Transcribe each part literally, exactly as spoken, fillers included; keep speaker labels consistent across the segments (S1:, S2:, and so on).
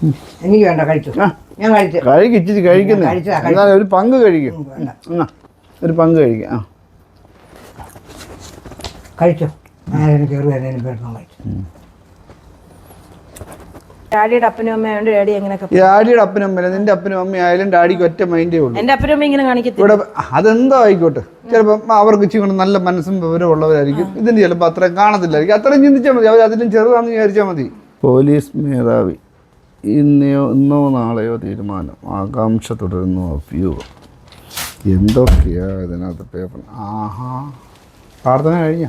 S1: എനിക്ക് വേണ്ട കഴിച്ചു. ഞാൻ കഴിച്ചു.
S2: കഴിച്ചിട്ട് കഴിക്കുന്ന ഒരു പങ്ക് കഴിക്കും. ഒരു പങ്ക് കഴിക്കാം. ആ
S1: കഴിച്ചോ. ഞാൻ കയറി വരുന്നതിന് പേടിക്കാൻ കഴിച്ചു.
S3: ഡാഡിയുടെ അപ്പനും അമ്മയുണ്ട്. ഡാഡി എങ്ങനെയൊക്കെ
S2: ഡാഡിയുടെ അപ്പനും അമ്മ നിന്റെ അപ്പനും അമ്മ ആയാലും ഡാഡിക്ക് ഒറ്റ മൈൻഡേ ഉള്ളൂ.
S3: എന്റെ അപ്പനും അമ്മ ഇങ്ങനെ കാണിക്കത്തില്ല.
S2: ഇവിടെ അതെന്തോ ആയിക്കോട്ടെ, ചിലപ്പോൾ അവർക്ക് ഇച്ചിരി നല്ല മനസ്സും വിവരമുള്ളവരായിരിക്കും. ഇതിന് ചിലപ്പോൾ അത്രയും കാണത്തില്ലായിരിക്കും. അത്രയും ചിന്തിച്ചാൽ മതി. അവർ അതിലും ചെറുതാണെന്ന് വിചാരിച്ചാൽ മതി. പോലീസ് മേധാവി ഇന്നയോ ഇന്നോ നാളെയോ തീരുമാനം, ആകാംക്ഷ തുടരുന്നു. അഭ്യൂഹം എന്തൊക്കെയാ ഇതിനകത്ത് പേപ്പർ. ആഹാ, പ്രാർത്ഥന കഴിഞ്ഞ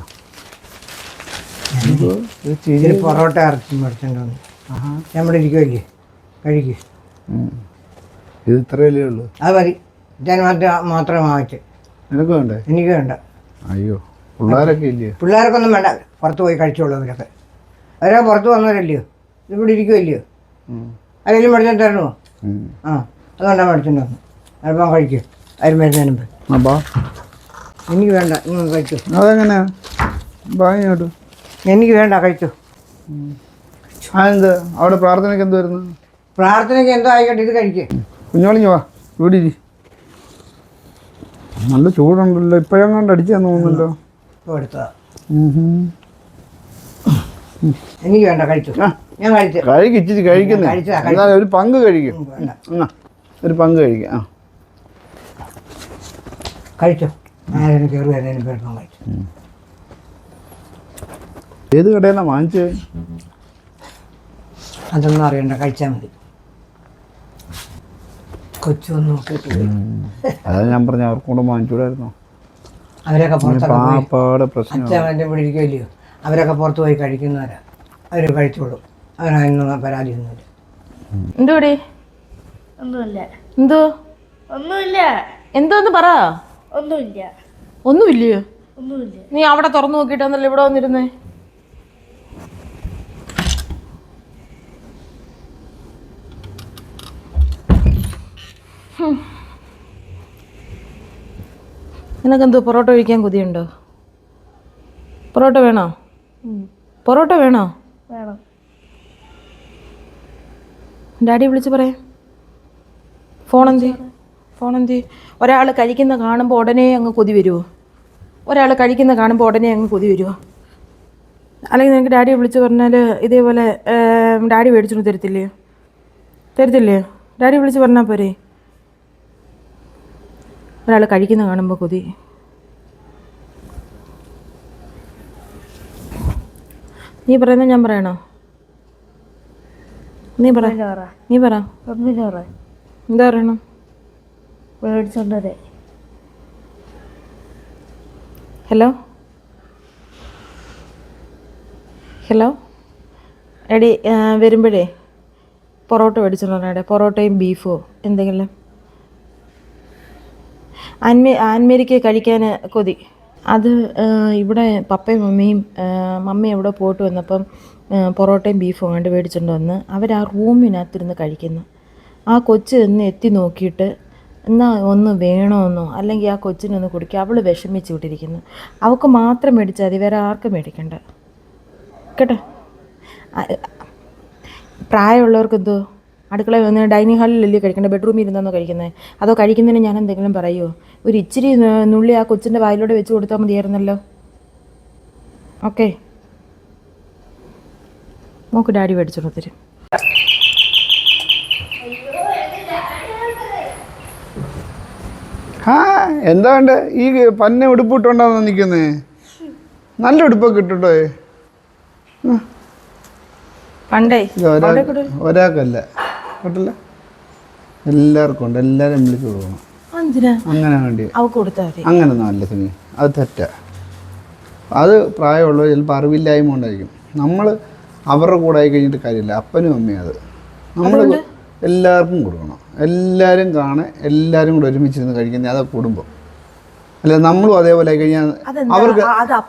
S1: പൊറോട്ട ഇറച്ചി മേടിച്ചോണ്ട് വന്നു. ആഹാ, നമ്മുടെ ഇരിക്കുമല്ലേ, കഴിക്കും.
S2: ഇത് ഇത്രയല്ലേ ഉള്ളൂ?
S1: അത് മതി. ഞാൻ മാത്രം മാത്രം വാങ്ങിച്ച്.
S2: നിനക്ക് വേണ്ടേ?
S1: എനിക്ക് വേണ്ട.
S2: അയ്യോ, പിള്ളേരൊക്കെ ഇല്ലേ?
S1: പിള്ളേർക്കൊന്നും വേണ്ട. പുറത്ത് പോയി കഴിച്ചോളൂ. അവരൊക്കെ അവരൊക്കെ പുറത്ത് വന്നവരല്ലയോ, ഇവിടെ ഇരിക്കുമല്ലയോ. ആരെങ്കിലും മേടിച്ചോണ്ട് തരണോ? ആ, അതുകൊണ്ടാണ് മേടിച്ചോണ്ട് വന്നു. അല്പം കഴിക്കും. ആരും വരുന്നതിന് മുമ്പ്. എനിക്ക് വേണ്ട. നിങ്ങൾ കഴിച്ചു.
S2: അതെങ്ങനെയാ വാങ്ങിയോട്ടു?
S1: എനിക്ക് വേണ്ട. കഴിച്ചു.
S2: അതെന്ത് അവിടെ പ്രാർത്ഥനയ്ക്ക് എന്ത് വരുന്നു?
S1: പ്രാർത്ഥനയ്ക്ക് എന്തോ ആയിക്കോട്ടെ, ഇത് കഴിക്കുക.
S2: കുഞ്ഞോളിഞ്ഞ് വാ, ഇവിടെ ഇരി. നല്ല ചൂടുണ്ടല്ലോ. ഇപ്പോഴും കൊണ്ട് അടിച്ചാന്ന് തോന്നുന്നല്ലോ.
S1: എടുത്തതാ. എനിക്ക് വേണ്ട. കഴിച്ചു. ഞാൻ കഴിച്ചു.
S2: കഴിച്ചിട്ട് കഴിക്കുന്ന ഒരു പങ്ക് കഴിക്കും. ഒരു പങ്ക് കഴിക്കാം. ആ
S1: കഴിച്ചോ. ഞാൻ കയറി വരുന്നതിന് പേടിക്കാൻ കഴിച്ചു.
S2: ഏത് കടയിലാണ് വാങ്ങിച്ചത്?
S1: അതൊന്നും അറിയണ്ട. കഴിച്ചാൽ മതി. കൊച്ചൊന്നും നോക്കിയിട്ടില്ല.
S2: അതാ ഞാൻ പറഞ്ഞ അവർക്ക് കൂടെ വാങ്ങിച്ചൂടായിരുന്നോ?
S1: അവരൊക്കെ
S2: പുറത്തൊക്കെ പ്രശ്നം
S1: അച്ഛൻ ഇവിടെ ഇരിക്കുമല്ലയോ. അവരൊക്കെ പുറത്ത് പോയി കഴിക്കുന്നവരാ. അവർ കഴിച്ചോളും. അവനൊന്നും പരാതിയൊന്നുമില്ല.
S3: എന്തോടി?
S4: ഒന്നുമില്ല.
S3: എന്തോ?
S4: ഒന്നുമില്ല.
S3: എന്തോന്ന് പറ.
S4: ഒന്നുമില്ല.
S3: ഒന്നുമില്ലയോ?
S4: ഒന്നുമില്ല.
S3: നീ അവിടെ തുറന്നു നോക്കിയിട്ടാന്നല്ലോ ഇവിടെ വന്നിരുന്നേ. നിനക്കെന്തോ പൊറോട്ട കഴിക്കാൻ കൊതിയുണ്ടോ? പൊറോട്ട വേണോ? പൊറോട്ട വേണോ?
S4: വേണം.
S3: ഡാഡി വിളിച്ച് പറയാം. ഫോൺ എന്തി ഫോൺ എന്തി ഒരാൾ കഴിക്കുന്ന കാണുമ്പോൾ ഉടനെ അങ്ങ് കൊതി വരുമോ? ഒരാൾ കഴിക്കുന്ന കാണുമ്പോൾ ഉടനെ അങ്ങ് കൊതി വരുമോ? അല്ലെങ്കിൽ നിനക്ക് ഡാഡിയെ വിളിച്ച് പറഞ്ഞാൽ ഇതേപോലെ ഡാഡി മേടിച്ചോണ്ട് തരത്തില്ലയോ? തരത്തില്ലയോ? ഡാഡി വിളിച്ച് പറഞ്ഞാൽ പോരെ? ഒരാൾ കഴിക്കുന്ന കാണുമ്പോൾ കൊതി. നീ പറയുന്നത് ഞാൻ പറയണോ? നീ പറ. നീ പറ. എന്താ പറയണം?
S4: മേടിച്ചോണ്ടേ.
S3: ഹലോ ഹലോ എടി, വരുമ്പോഴേ പൊറോട്ട മേടിച്ചോണ്ടേ. പൊറോട്ടയും ബീഫോ എന്തെങ്കിലും. ആൻമേ ആൻമേരിക്ക് കഴിക്കാൻ കൊതി. അത് ഇവിടെ പപ്പയും മമ്മിയും മമ്മി എവിടെ പോയിട്ട് വന്നപ്പം പൊറോട്ടയും ബീഫും കണ്ട് മേടിച്ചുകൊണ്ട് വന്ന് അവർ ആ റൂമിനകത്തിരുന്ന് കഴിക്കുന്നു. ആ കൊച്ച് ഒന്ന് എത്തി നോക്കിയിട്ട് എന്നാൽ ഒന്ന് വേണമെന്നോ അല്ലെങ്കിൽ ആ കൊച്ചിനൊന്ന് കുടിക്കുക. അവൾ വിഷമിച്ച് വിട്ടിരിക്കുന്നു. അവൾക്ക് മാത്രം മേടിച്ചാൽ മതി, വേറെ ആർക്കും മേടിക്കണ്ട കേട്ടോ. പ്രായമുള്ളവർക്ക് എന്തോ അടുക്കള വന്ന് ഡൈനിങ് ഹാളിലല്ലേ കഴിക്കേണ്ടത്? ബെഡ്റൂമിൽ ഇരുന്നോ കഴിക്കുന്നത്? അതോ കഴിക്കുന്നതിന് ഞാൻ എന്തെങ്കിലും പറയുമോ? ഒരു ഇച്ചിരി നുള്ളി ആ കൊച്ചിൻ്റെ വായിലൂടെ വെച്ച് കൊടുത്താൽ മതിയായിരുന്നല്ലോ. ഓക്കെ, നോക്ക് ഡാഡി മേടിച്ചോണ്ട് തരും.
S2: ആ എന്താ വേണ്ട? ഈ പന്ന ഉടുപ്പിട്ടുണ്ടാന്ന് നിൽക്കുന്നേ. നല്ല ഉടുപ്പൊക്കെ ഇട്ടിട്ടോ.
S3: പണ്ടേ
S2: ഒരാൾക്കല്ല കേട്ടല്ല, എല്ലാവർക്കും ഉണ്ട്. എല്ലാവരും വിളിച്ചു കൊടുക്കണം. അങ്ങനെ വേണ്ടി അങ്ങനൊന്നും അല്ല സിനി, അത് തെറ്റാ. അത് പ്രായമുള്ളവർ ചിലപ്പോൾ അറിവില്ലായ്മ കൊണ്ടായിരിക്കും. നമ്മൾ അവരുടെ കൂടെ ആയി കഴിഞ്ഞിട്ട് കാര്യമില്ല. അപ്പനും അമ്മയും അത് നമ്മൾ എല്ലാവർക്കും കൊടുക്കണം. എല്ലാവരും കാണാൻ എല്ലാവരും കൂടെ ഒരുമിച്ചിരുന്ന് കഴിക്കുന്നത് അതാ കുടുംബം. അല്ല നമ്മളും അതേപോലെ ആയി കഴിഞ്ഞാൽ അവർക്ക്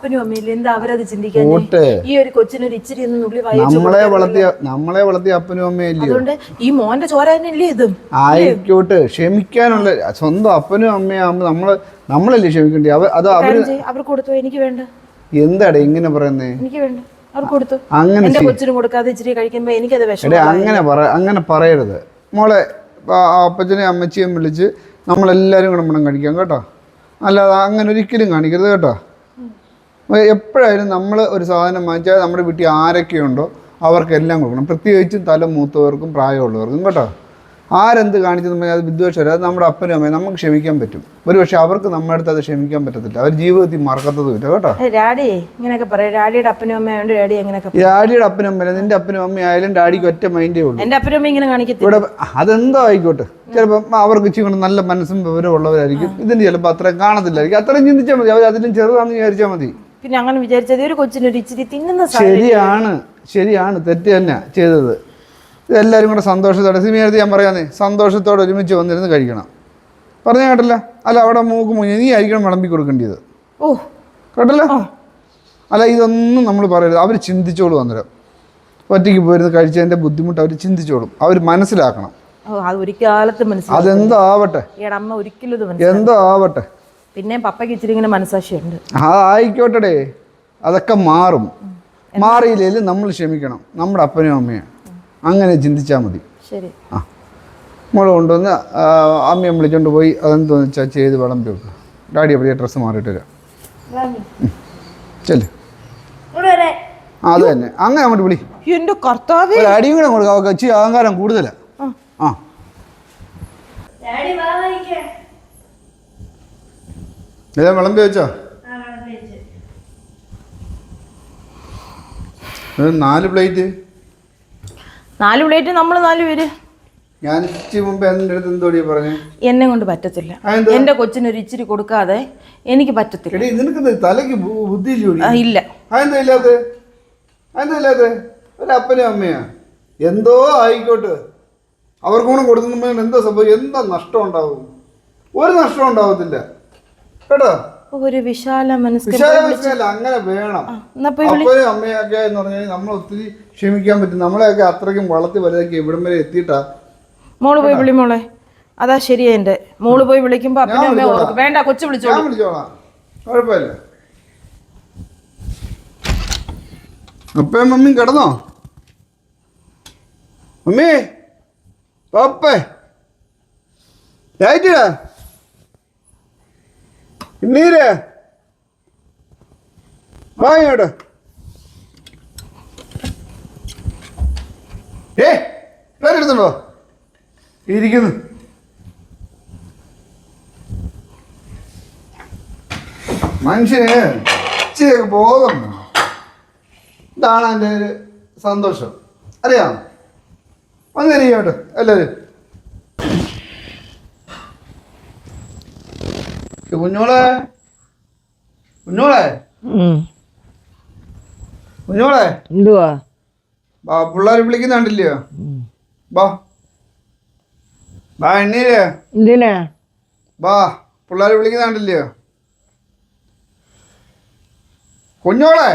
S2: നമ്മളെ വളർത്തിയ നമ്മളെ വളർത്തിയ അപ്പനും അമ്മയും ഇല്ലയോ? ആയിക്കോട്ടെ, ക്ഷമിക്കാനുള്ള സ്വന്തം അപ്പനും അമ്മയും ആകുമ്പോൾ നമ്മള് നമ്മളല്ലേ ക്ഷമിക്കേണ്ടി. അത് അവര്
S3: അവർക്ക് കൊടുത്തു. എനിക്ക് വേണ്ട.
S2: എന്താടേ ഇങ്ങനെ പറയുന്നേ?
S3: എനിക്ക് വേണ്ട. അവർക്ക് കൊടുത്തു.
S2: അങ്ങനെ
S3: എന്റെ കൊച്ചിന് കൊടുക്കാതെ ഇച്ചിരി കഴിക്കുമ്പോ എനിക്കത്
S2: എടേ
S3: വിഷമം.
S2: അങ്ങനെ പറ അങ്ങനെ പറയരുത് മോളെ. അപ്പച്ചനെയും അമ്മച്ചിയും വിളിച്ച് നമ്മളെല്ലാവരും കൂടെ മണം കഴിക്കാം കേട്ടോ. അല്ലാതെ അങ്ങനെ ഒരിക്കലും കാണിക്കരുത് കേട്ടോ. എപ്പോഴായാലും നമ്മൾ ഒരു സാധനം വാങ്ങിച്ചാൽ നമ്മുടെ വീട്ടിൽ ആരൊക്കെയുണ്ടോ അവർക്കെല്ലാം കൊടുക്കണം. പ്രത്യേകിച്ചും തല മൂത്തവർക്കും പ്രായമുള്ളവർക്കും കേട്ടോ. ആരെന്ത് കാണിച്ചെന്ന് പറഞ്ഞാൽ അത് വിദ്വേഷം. അത് നമ്മുടെ അപ്പനും അമ്മയും നമുക്ക് ക്ഷമിക്കാൻ പറ്റും. ഒരു പക്ഷേ അവർക്ക് നമ്മുടെ അടുത്ത് അത് ക്ഷമിക്കാൻ പറ്റത്തില്ല. അവർ ജീവിതത്തിൽ മറക്കത്തതുമില്ല കേട്ടോ.
S3: ഡാഡി ഇങ്ങനെയൊക്കെ പറയാം. ഡാഡിയുടെ അപ്പനും അമ്മയുണ്ട്. ഡാഡി എങ്ങനെയൊക്കെ
S2: ഡാഡിയുടെ അപ്പനും അമ്മ നിന്റെ അപ്പനും അമ്മയായാലും ഡാഡിക്ക് ഒറ്റ മൈൻഡേ ഉള്ളൂ.
S3: എന്റെ അപ്പനും അമ്മ ഇങ്ങനെ കാണിക്കത്തില്ല.
S2: ഇവിടെ അതെന്തോ ആയിക്കോട്ടെ. ചിലപ്പോൾ അവർക്ക് ഇച്ചിരി കൊണ്ട് നല്ല മനസ്സും വിവരമുള്ളവരായിരിക്കും. ഇതിന് ചിലപ്പോൾ അത്രയും കാണത്തില്ലായിരിക്കും. അത്രയും ചിന്തിച്ചാൽ മതി. അവർ അതിലും ചെറുതാണെന്ന് വിചാരിച്ചാൽ മതി.
S3: പിന്നെ അങ്ങനെ വിചാരിച്ചത് ഒരു കൊച്ചിനൊരു ഇച്ചിരി തിന്നുന്ന
S2: ശരിയാണ്, ശരിയാണ്. തെറ്റ് തന്നെ ചെയ്തത്. ഇതെല്ലാവരും കൂടെ സന്തോഷത്തോടെ സിമിയടുത്ത് ഞാൻ പറയാന്നേ, സന്തോഷത്തോടെ ഒരുമിച്ച് വന്നിരുന്ന് കഴിക്കണം. പറഞ്ഞ കേട്ടല്ല? അല്ല അവിടെ മൂക്ക് മുഞ്ഞ നീ ആയിരിക്കണം വിളമ്പി കൊടുക്കേണ്ടത്.
S3: ഓ
S2: കേട്ടല്ലോ? അല്ല ഇതൊന്നും നമ്മൾ പറയരുത്. അവർ ചിന്തിച്ചോളും. അന്നേരം ഒറ്റയ്ക്ക് പോയിരുന്ന് കഴിച്ചതിൻ്റെ ബുദ്ധിമുട്ട് അവർ ചിന്തിച്ചോളും. അവർ മനസ്സിലാക്കണം. അതെന്തോ ആവട്ടെ, എന്തോ ആവട്ടെ.
S3: പിന്നെ പപ്പയ്ക്ക് ഇച്ചിരി ഇങ്ങനെ മനസാക്ഷിയുണ്ട്.
S2: അതായിക്കോട്ടെ, അതൊക്കെ മാറും. മാറിയില്ലേലും നമ്മൾ ക്ഷമിക്കണം നമ്മുടെ അപ്പനും അമ്മയും. അങ്ങനെ ചിന്തിച്ചാൽ മതി.
S3: ശരി.
S2: ആ മോള് കൊണ്ടുവന്ന് അമ്മയെ വിളിച്ചോണ്ട് പോയി അതെന്തോന്ന് വെച്ചാൽ ചെയ്ത് വിളമ്പി വെക്കുക. ഡാഡി എവിടെയാ ഡ്രസ്സ് മാറിയിട്ട് വരാം. ചെല്ല്. അത് തന്നെ അങ്ങനെ അങ്ങോട്ട് വിളി.
S3: എന്റെ കർത്താവേ,
S2: അടിയും കൂടെ കൊടുക്കാം. അവർക്ക് ഇച്ചിരി അഹങ്കാരം കൂടുതലാ. ആ ഇതാ വിളമ്പി വെച്ചോ. നാല് പ്ലേറ്റ്.
S3: നാല് പ്ലേറ്റ് നമ്മൾ നാല് പേര്.
S2: ഞാൻ ഇച്ചിരി മുമ്പ് എൻ്റെ അടുത്ത് എന്തോടിയാ പറഞ്ഞു?
S3: എന്നെ കൊണ്ട് പറ്റത്തില്ല. എന്റെ കൊച്ചിനൊരു ഇച്ചിരി കൊടുക്കാതെ എനിക്ക് പറ്റത്തില്ല.
S2: നിനക്ക് തലയ്ക്ക് ബുദ്ധി
S3: ഇല്ല.
S2: അതെന്താ ഇല്ലാത്ത? അതെന്താ ഇല്ലാത്ത? ഒരു അപ്പനും അമ്മയാ. എന്തോ ആയിക്കോട്ടെ, അവർക്കൂടെ കൊടുക്കുന്ന എന്തോ സംഭവം, എന്താ നഷ്ടം ഉണ്ടാവും? ഒരു നഷ്ടം ഉണ്ടാവത്തില്ല കേട്ടോ.
S3: ഒരു വിശാല മനസ്കല്ല
S2: അങ്ങനെ വേണം. അപ്പനും അമ്മയൊക്കെ എന്ന് പറഞ്ഞാൽ നമ്മൾ ഒത്തിരി ക്ഷമിക്കാൻ പറ്റും. നമ്മളെയൊക്കെ അത്രയ്ക്കും വളർത്തി വലുതാക്കി ഇവിടം വരെ എത്തിയിട്ടാ.
S3: മോള് പോയി വിളി മോളെ. അതാ ശരിയാ. എന്റെ മോള് പോയി വിളിക്കുമ്പോ വേണ്ട കൊച്ചു വിളിച്ചോ.
S2: ഞാൻ വിളിച്ചോളാം, കുഴപ്പമില്ല. അപ്പയും മമ്മിയും കിടന്നോ? മമ്മി പപ്പേ ലൈറ്റിടാ നീര് വാങ്ങോട്ട്. ഏ പേരെടുത്തുണ്ടോ? ഇരിക്കുന്നു. മനുഷ്യന് ഇച്ചിരിയൊക്കെ ബോധം വേണം. ഇതാണ് എൻ്റെ ഒരു സന്തോഷം. അറിയാം. വന്നിരിക്കോട്ടെ എല്ലാവരും. കുഞ്ഞോളെ കുഞ്ഞോളെ കുഞ്ഞോളെ
S1: എന്തുവാ?
S2: ബാ പിള്ളേർ വിളിക്കുന്നുണ്ടല്ലയോ? ബാ ബാ എണ്ണീര്.
S1: എന്തിനാ?
S2: ബാ പിള്ളേർ വിളിക്കുന്നുണ്ടല്ലയോ? കുഞ്ഞോളെ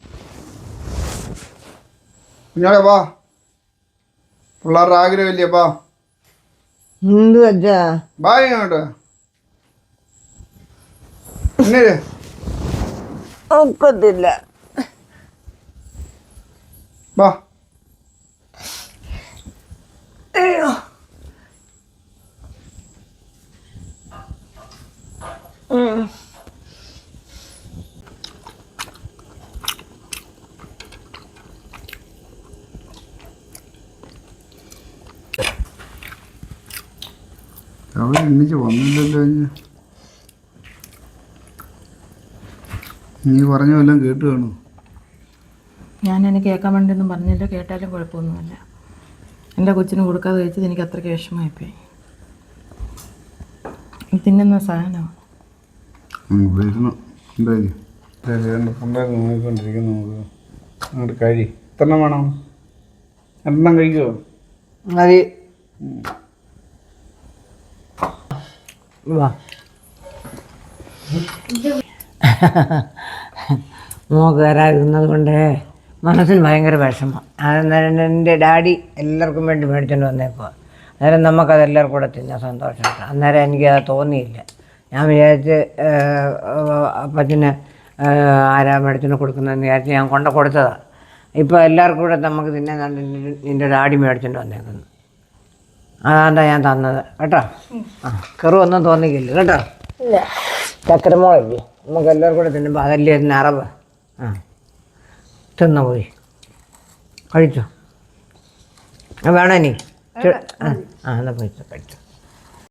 S2: കുഞ്ഞോളെ ബാ. പിള്ളേരുടെ ആഗ്രഹമില്ലേ? ബാ.
S1: എന്ത് വെച്ചാ?
S2: ബാ ഇങ്ങോട്ട്. എണ്ണീര്.
S1: ഒക്കത്തില്ല.
S2: ബാ.
S1: അയ്യോ.
S2: അവർ എണ്ണിച്ച് വന്നില്ലല്ലോ. നീ പറഞ്ഞ വല്ലതും കേട്ട് കാണൂ.
S3: ഞാൻ എനിക്ക് കേൾക്കാൻ വേണ്ടിയൊന്നും പറഞ്ഞില്ല. കേട്ടാലും കുഴപ്പമൊന്നുമില്ല. എൻ്റെ കൊച്ചിന് കൊടുക്കാതെ കഴിച്ചത് എനിക്ക് അത്രയ്ക്ക് വിഷമമായിപ്പോയി. തിന്നുന്ന സാധനമാണ്.
S2: നോക്കിക്കൊണ്ടിരിക്കുന്നു. നമുക്ക് അങ്ങോട്ട് കഴി. എത്രണ്ണം വേണം? രണ്ടെണ്ണം കഴിക്കുമോ?
S1: മതി. വാ. മോക്ക് വരാതിരുന്നത് കൊണ്ട് മനസ്സിന് ഭയങ്കര വിഷമം. അന്നേരം എൻ്റെ ഡാഡി എല്ലാവർക്കും വേണ്ടി മേടിച്ചുകൊണ്ട് വന്നേക്കുക. അന്നേരം നമുക്കതെല്ലാവർക്കും കൂടെ തിന്നാൻ സന്തോഷമുണ്ട്. അന്നേരം എനിക്കത് തോന്നിയില്ല. ഞാൻ വിചാരിച്ച് അപ്പച്ചന് ആരാ മേടിച്ചിന് കൊടുക്കുന്നതെന്ന് വിചാരിച്ച് ഞാൻ കൊണ്ട കൊടുത്തതാണ്. ഇപ്പോൾ എല്ലാവർക്കും കൂടെ നമുക്ക് തിന്നാൻ കണ്ട് നിൻ്റെ ഡാഡി മേടിച്ചിട്ട് വന്നേക്കുന്നു. അതാണ്ടാ ഞാൻ തന്നത് കേട്ടോ. ആ കെറുവൊന്നും തോന്നിക്കില്ല കേട്ടോ.
S4: ഇല്ല.
S1: ചക്കരമോളല്ലേ നമുക്ക് എല്ലാവർക്കും കൂടെ തിന്നുമ്പോൾ അതല്ലേ അതിന് അറവ്. ആ തിന്നു പോയി കഴിച്ചോ. വേണോ ഇനി? ആ ആ എന്നാൽ പോയി കഴിച്ചോ.